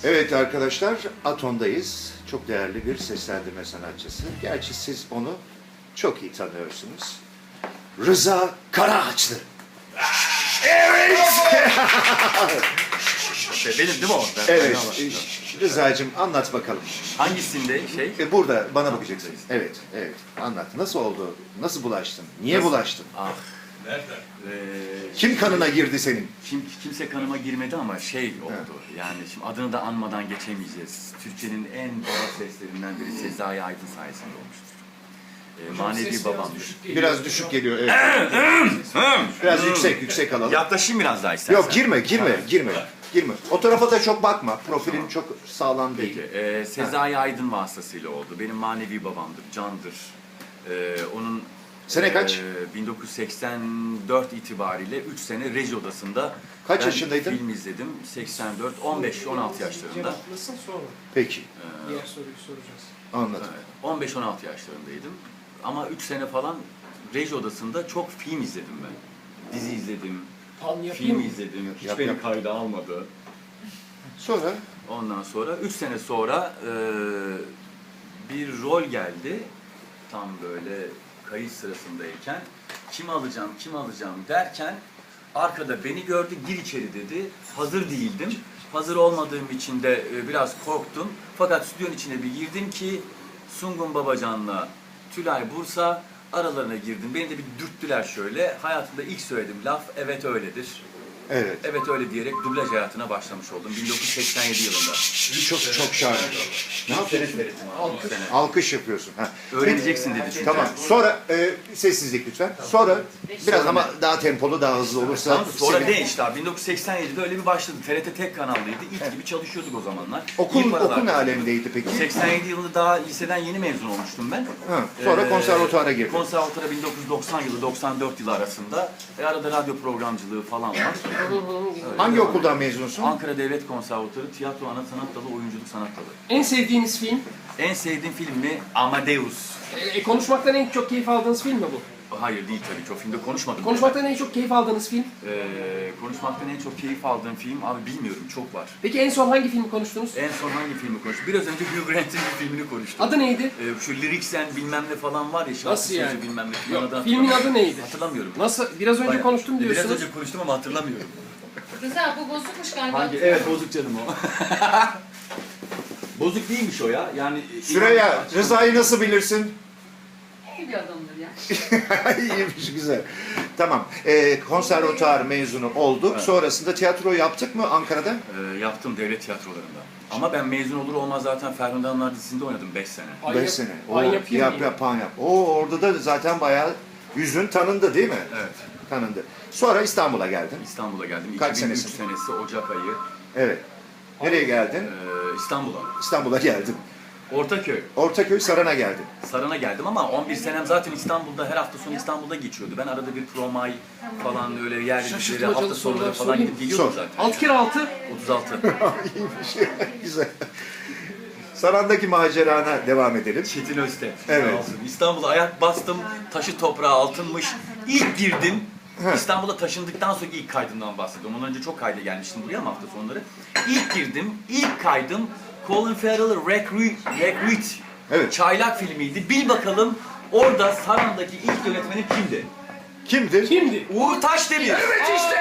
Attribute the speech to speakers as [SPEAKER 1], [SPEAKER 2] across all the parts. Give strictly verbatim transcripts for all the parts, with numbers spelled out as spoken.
[SPEAKER 1] Evet arkadaşlar, Aton'dayız. Çok değerli bir seslendirme sanatçısı. Gerçi siz onu çok iyi tanıyorsunuz. Rıza Karaağaçlı. Evet!
[SPEAKER 2] Benim değil mi o? Ben
[SPEAKER 1] Evet, Rıza'cığım anlat bakalım.
[SPEAKER 2] Hangisinde şey?
[SPEAKER 1] E, burada bana bakacaksın. Evet, evet. Anlat. Nasıl oldu? Nasıl bulaştın? Niye
[SPEAKER 2] Nasıl?
[SPEAKER 1] bulaştın?
[SPEAKER 2] Ah. Nereden? Ee,
[SPEAKER 1] Kim kanına girdi senin?
[SPEAKER 2] Kim, kimse kanıma girmedi ama şey oldu. Yani şimdi adını da anmadan geçemeyeceğiz. Türkiye'nin en baba seslerinden biri Sezai Aydın sayesinde olmuştur. Ee, manevi babam.
[SPEAKER 1] Biraz düşük geliyor. Evet. Biraz yüksek, yüksek alalım.
[SPEAKER 2] Yaklaşayım biraz daha istersen.
[SPEAKER 1] Yok girme, girme, girme. Girme. O tarafa da çok bakma. Profilin çok sağlam değil.
[SPEAKER 2] Peki, e, Sezai Aydın vasıtasıyla oldu. Benim manevi babamdır, candır. E, onun
[SPEAKER 1] Sene kaç?
[SPEAKER 2] E, bin dokuz yüz seksen dört itibariyle üç sene reji odasında
[SPEAKER 1] Kaç
[SPEAKER 2] ben
[SPEAKER 1] yaşındaydın?
[SPEAKER 2] film izledim. seksen dört, on beş on altı yaşlarında.
[SPEAKER 3] Cevaplasın sonra.
[SPEAKER 1] Peki,
[SPEAKER 3] Diğer soruyu soracağız.
[SPEAKER 1] anladım.
[SPEAKER 2] Evet, on beş on altı yaşlarındaydım. Ama üç sene falan reji odasında çok film izledim ben. Dizi izledim,
[SPEAKER 3] Pan yapayım
[SPEAKER 2] film
[SPEAKER 3] mı?
[SPEAKER 2] izledim. Hiç
[SPEAKER 1] Yap,
[SPEAKER 2] beni
[SPEAKER 1] yap.
[SPEAKER 2] kayda almadı.
[SPEAKER 1] Sonra?
[SPEAKER 2] Ondan sonra üç sene sonra e, bir rol geldi. Tam böyle kayıt sırasındayken kim alacağım, kim alacağım derken arkada beni gördü, gir içeri dedi. Hazır değildim. Hazır olmadığım için de e, biraz korktum. Fakat stüdyonun içine bir girdim ki Sungun Babacan'la Tülay Bursa aralarına girdim. Beni de bir dürttüler şöyle. Hayatımda ilk söylediğim laf evet öyledir.
[SPEAKER 1] Evet.
[SPEAKER 2] Evet öyle diyerek dublaj hayatına başlamış oldum bin dokuz yüz seksen yedi yılında.
[SPEAKER 1] Çok çok şahane. Ne yapıyorsun?
[SPEAKER 2] Alkış.
[SPEAKER 1] Alkış yapıyorsun. Ha.
[SPEAKER 2] Öğreneceksin dedi çünkü.
[SPEAKER 1] Tamam. Sonra e, sessizlik lütfen. Sonra biraz ama daha tempolu, daha hızlı olursa.
[SPEAKER 2] Tamam, sonra
[SPEAKER 1] seni-
[SPEAKER 2] değil işte abi. bin dokuz yüz seksen yedide öyle bir başladı. T R T tek kanallıydı. İlk gibi çalışıyorduk o zamanlar.
[SPEAKER 1] Okul,
[SPEAKER 2] İyi paralar
[SPEAKER 1] okul ne
[SPEAKER 2] kazanıyorduk.
[SPEAKER 1] alemdeydi peki?
[SPEAKER 2] seksen yedi yılında daha liseden yeni mezun olmuştum ben.
[SPEAKER 1] Ha, sonra
[SPEAKER 2] Ee,
[SPEAKER 1] konservatuara girdin.
[SPEAKER 2] Konservatuara bin dokuz yüz doksan yılı doksan dört yılı arasında. E, arada radyo programcılığı falan var.
[SPEAKER 1] Hangi okuldan mezunsun?
[SPEAKER 2] Ankara Devlet Konservatuarı Tiyatro Ana Sanat Dalı, Oyunculuk Sanat Dalı.
[SPEAKER 3] En sevdiğiniz film?
[SPEAKER 2] En sevdiğim film mi? Amadeus.
[SPEAKER 3] E, konuşmaktan en çok keyif aldığınız film mi bu?
[SPEAKER 2] Hayır değil tabii ki. O filmde konuşmadım.
[SPEAKER 3] Konuşmaktan en çok keyif aldığınız film?
[SPEAKER 2] Ee, konuşmaktan en çok keyif aldığım film abi bilmiyorum, çok var.
[SPEAKER 3] Peki en son hangi filmi konuştunuz?
[SPEAKER 2] En son hangi filmi konuştuk? Biraz önce Hugh Grant'in bir filmini konuştuk.
[SPEAKER 3] Adı neydi?
[SPEAKER 2] Ee, şu Lyricsen bilmem ne falan var ya, şarkı
[SPEAKER 3] Nasıl
[SPEAKER 2] sözü
[SPEAKER 3] yani?
[SPEAKER 2] bilmem ne.
[SPEAKER 3] Yok,
[SPEAKER 2] Adı
[SPEAKER 3] filmin
[SPEAKER 2] hatırlamıyorum.
[SPEAKER 3] adı neydi?
[SPEAKER 2] Hatırlamıyorum.
[SPEAKER 3] Nasıl? Biraz önce
[SPEAKER 2] Bayağı-
[SPEAKER 3] konuştum diyorsunuz.
[SPEAKER 2] Biraz önce konuştum ama hatırlamıyorum.
[SPEAKER 4] Rıza bu bozukmuş galiba.
[SPEAKER 2] Hangi? Evet, bozuk canım o. Bozuk değilmiş o ya. Yani
[SPEAKER 1] Süreyya, Rıza'yı nasıl bilirsin?
[SPEAKER 4] İyi bir adamdır ya.
[SPEAKER 1] İyiymiş, güzel. Tamam. Ee, konservatuar mezunu olduk.
[SPEAKER 2] Evet.
[SPEAKER 1] Sonrasında tiyatro yaptık mı Ankara'da?
[SPEAKER 2] Ee, yaptım devlet tiyatrolarında. Ama ben mezun olur olmaz zaten Ferhunde Hanımlar dizisinde oynadım beş sene.
[SPEAKER 3] Ay
[SPEAKER 1] Beş
[SPEAKER 3] yap-
[SPEAKER 1] sene.
[SPEAKER 3] Pan
[SPEAKER 1] Oo,
[SPEAKER 3] yapayım
[SPEAKER 1] yap,
[SPEAKER 3] mı?
[SPEAKER 1] yap, pan yap. Oo, orada da zaten bayağı yüzün tanındı değil mi?
[SPEAKER 2] Evet.
[SPEAKER 1] Tanındı. Sonra İstanbul'a geldin.
[SPEAKER 2] İstanbul'a geldim.
[SPEAKER 1] Kaç
[SPEAKER 2] iki bin üç
[SPEAKER 1] senesi?
[SPEAKER 2] senesi Ocak ayı.
[SPEAKER 1] Evet. Nereye geldin?
[SPEAKER 2] Ee, İstanbul'a.
[SPEAKER 1] İstanbul'a geldim.
[SPEAKER 2] Ortaköy.
[SPEAKER 1] Ortaköy Saran'a geldim.
[SPEAKER 2] Sarın'a geldim ama on bir senem zaten İstanbul'da, her hafta sonu İstanbul'da geçiyordu. Ben arada bir promay falan öyle yerli dizileri,
[SPEAKER 3] Şaşırtmacalı
[SPEAKER 2] hafta sonları
[SPEAKER 3] sorular
[SPEAKER 2] falan
[SPEAKER 3] sorayım.
[SPEAKER 2] gidip geliyordum
[SPEAKER 1] Sor.
[SPEAKER 2] zaten.
[SPEAKER 3] Altı kere altı.
[SPEAKER 2] otuz altı.
[SPEAKER 1] İyiymiş. Güzel. Saran'daki macerana devam edelim.
[SPEAKER 2] Çetin Özte.
[SPEAKER 1] Evet.
[SPEAKER 2] Sağ olsun. İstanbul'a ayak bastım, taşı toprağı altınmış. İlk girdim. İstanbul'a taşındıktan sonra ilk kaydımdan bahsediyorum. Ondan önce çok kayda gelmiştim buraya ama hafta sonları. İlk girdim, ilk kaydım Colin Farrell Recruit, Recruit
[SPEAKER 1] Evet.
[SPEAKER 2] Çaylak filmiydi. Bil bakalım orada Saran'daki ilk yönetmenim kimdi?
[SPEAKER 1] Kimdir?
[SPEAKER 3] Kimdi?
[SPEAKER 2] Uğur Taşdemir.
[SPEAKER 1] Evet işte.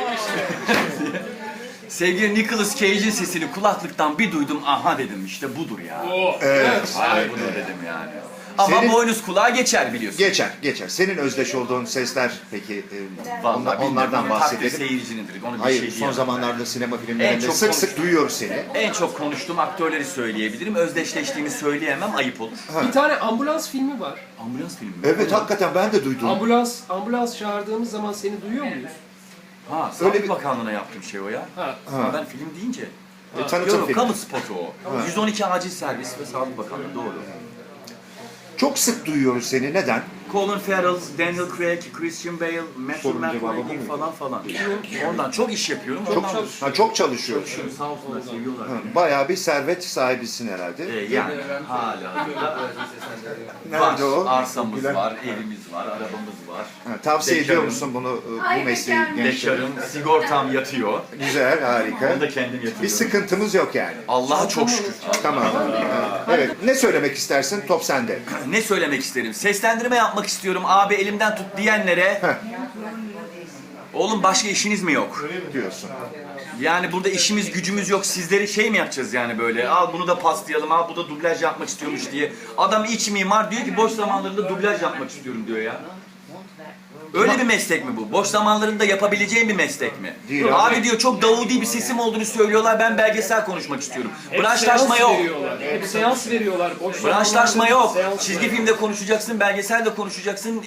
[SPEAKER 2] Sevgili Nicolas Cage'in sesini kulaklıktan bir duydum. Aha dedim, işte budur ya.
[SPEAKER 1] Evet.
[SPEAKER 2] Ay budur dedim yani. Ama
[SPEAKER 1] Senin-
[SPEAKER 2] boynuz kulağa geçer biliyorsun.
[SPEAKER 1] Geçer, geçer. Senin özdeş olduğun sesler peki e,
[SPEAKER 2] Vallahi
[SPEAKER 1] onlar-
[SPEAKER 2] bilmiyorum.
[SPEAKER 1] onlardan
[SPEAKER 2] Takdir
[SPEAKER 1] bahsedelim.
[SPEAKER 2] seyircinindir. Onu bir
[SPEAKER 1] Hayır,
[SPEAKER 2] şey
[SPEAKER 1] son
[SPEAKER 2] diyemem.
[SPEAKER 1] zamanlarda sinema
[SPEAKER 2] En
[SPEAKER 1] filmlerinde
[SPEAKER 2] çok
[SPEAKER 1] sık
[SPEAKER 2] konuş-
[SPEAKER 1] sık duyuyoruz seni.
[SPEAKER 2] En çok konuştuğum aktörleri söyleyebilirim. Özdeşleştiğimi söyleyemem, ayıp olur.
[SPEAKER 3] Bir tane ambulans filmi var.
[SPEAKER 2] Ambulans filmi mi?
[SPEAKER 1] Evet, hakikaten ben de duydum.
[SPEAKER 3] Ambulans ambulans çağırdığımız zaman seni duyuyor muyuz?
[SPEAKER 2] Ha,
[SPEAKER 1] Öyle
[SPEAKER 2] Sağlık
[SPEAKER 1] bir-
[SPEAKER 2] Bakanlığı'na yaptığım şey o ya.
[SPEAKER 3] Ha.
[SPEAKER 2] Ha. Ben film deyince.
[SPEAKER 1] E, tanıtım
[SPEAKER 2] Yok,
[SPEAKER 1] filmi.
[SPEAKER 2] kamu spotu o. yüz on iki acil servis ve Sağlık Bakanlığı, doğru.
[SPEAKER 1] Çok sık duyuyoruz seni. Neden?
[SPEAKER 2] Colin Farrell, Daniel Craig, Christian Bale, Matthew
[SPEAKER 1] Sorunun cevabı bu
[SPEAKER 2] McConaughey
[SPEAKER 1] mu?
[SPEAKER 2] falan falan. Ondan çok iş yapıyorum.
[SPEAKER 1] Çok,
[SPEAKER 2] Ondan
[SPEAKER 1] ha, çok çalışıyorsun.
[SPEAKER 2] çalışıyorum. Sağ olsunlar, seviyorlar.
[SPEAKER 1] Ha, bayağı bir servet sahibisin herhalde.
[SPEAKER 2] Ee, yani hala.
[SPEAKER 1] Nerede
[SPEAKER 2] var.
[SPEAKER 1] o?
[SPEAKER 2] Arsamız
[SPEAKER 1] Gülen-
[SPEAKER 2] var, evimiz var, arabamız var.
[SPEAKER 1] Ha, tavsiye ediyor
[SPEAKER 2] Bekarım.
[SPEAKER 1] musun bunu e, bu
[SPEAKER 4] Ay,
[SPEAKER 1] mesleği
[SPEAKER 4] bekarım.
[SPEAKER 1] gençlere?
[SPEAKER 2] Bekarım, sigortam yatıyor.
[SPEAKER 1] Güzel, harika.
[SPEAKER 2] Onu da kendim yatırıyorum.
[SPEAKER 1] Bir sıkıntımız yok yani.
[SPEAKER 2] Allah'a çok şükür.
[SPEAKER 1] Tamam. Ha, evet. Ne söylemek istersin? Top sende.
[SPEAKER 2] Ne söylemek isterim? Seslendirme yapmak istiyorum. Abi elimden tut diyenlere.
[SPEAKER 1] Heh.
[SPEAKER 2] Oğlum başka işiniz mi yok?
[SPEAKER 1] Diyorsun.
[SPEAKER 2] Yani burada işimiz gücümüz yok. Sizleri şey mi yapacağız yani böyle? Al bunu da paslayalım. Al bu da dublaj yapmak istiyormuş diye. Adam iç mimar diyor ki boş zamanlarında dublaj yapmak istiyorum diyor ya. Öyle bir meslek mi bu? Boş zamanlarında yapabileceğin bir meslek mi?
[SPEAKER 1] Değil
[SPEAKER 2] abi.
[SPEAKER 1] abi.
[SPEAKER 2] diyor çok davudi bir sesim olduğunu söylüyorlar. Ben belgesel konuşmak istiyorum.
[SPEAKER 3] Hep
[SPEAKER 2] Branşlaşma
[SPEAKER 3] seans
[SPEAKER 2] yok.
[SPEAKER 3] veriyorlar. Hep seans veriyorlar. Boş
[SPEAKER 2] Branşlaşma
[SPEAKER 3] zamanlarda
[SPEAKER 2] yok.
[SPEAKER 3] seans
[SPEAKER 2] Çizgi
[SPEAKER 3] veriyorlar.
[SPEAKER 2] filmde konuşacaksın, belgeselde konuşacaksın,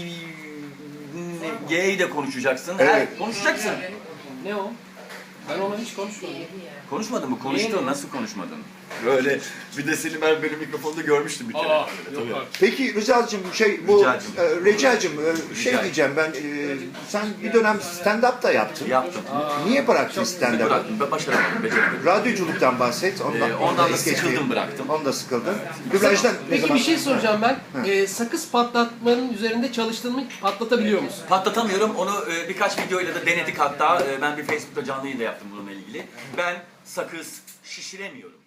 [SPEAKER 2] gay de konuşacaksın. Her,
[SPEAKER 1] Evet.
[SPEAKER 2] konuşacaksın.
[SPEAKER 3] Ne o? Ben ona hiç konuşmadım.
[SPEAKER 2] Konuşmadın mı? Konuştun.
[SPEAKER 3] Niye?
[SPEAKER 2] Nasıl konuşmadın? Böyle bir de Selim Er benim mikrofonda görmüştüm bir kere.
[SPEAKER 3] Aa,
[SPEAKER 2] Böyle,
[SPEAKER 3] yok
[SPEAKER 2] tabii.
[SPEAKER 3] artık.
[SPEAKER 1] Peki Rıza'cığım şey bu
[SPEAKER 2] Ricacığım.
[SPEAKER 1] e, Recacığım e, şey
[SPEAKER 2] Rica.
[SPEAKER 1] diyeceğim ben e, sen bir dönem stand-up da yaptın.
[SPEAKER 2] Yaptım.
[SPEAKER 1] Niye bıraktın stand-up'ı?
[SPEAKER 2] Bıraktım. Ben başaramadım. Beceremedim.
[SPEAKER 1] Radyoculuktan bahset. Ondan,
[SPEAKER 2] Ee, ondan da
[SPEAKER 1] es geçmeyelim.
[SPEAKER 2] sıkıldım, bıraktım.
[SPEAKER 1] Ondan sıkıldın. Dublajdan ne
[SPEAKER 3] Peki
[SPEAKER 1] zaman?
[SPEAKER 3] bir şey soracağım ben. Ee, sakız patlatmanın üzerinde çalıştığın mı patlatabiliyor musun?
[SPEAKER 2] Patlatamıyorum. Onu e, birkaç videoyla da denedik hatta. E, ben bir Facebook'ta canlı yayın da yaptım bununla ilgili. Ben sakız şişiremiyorum.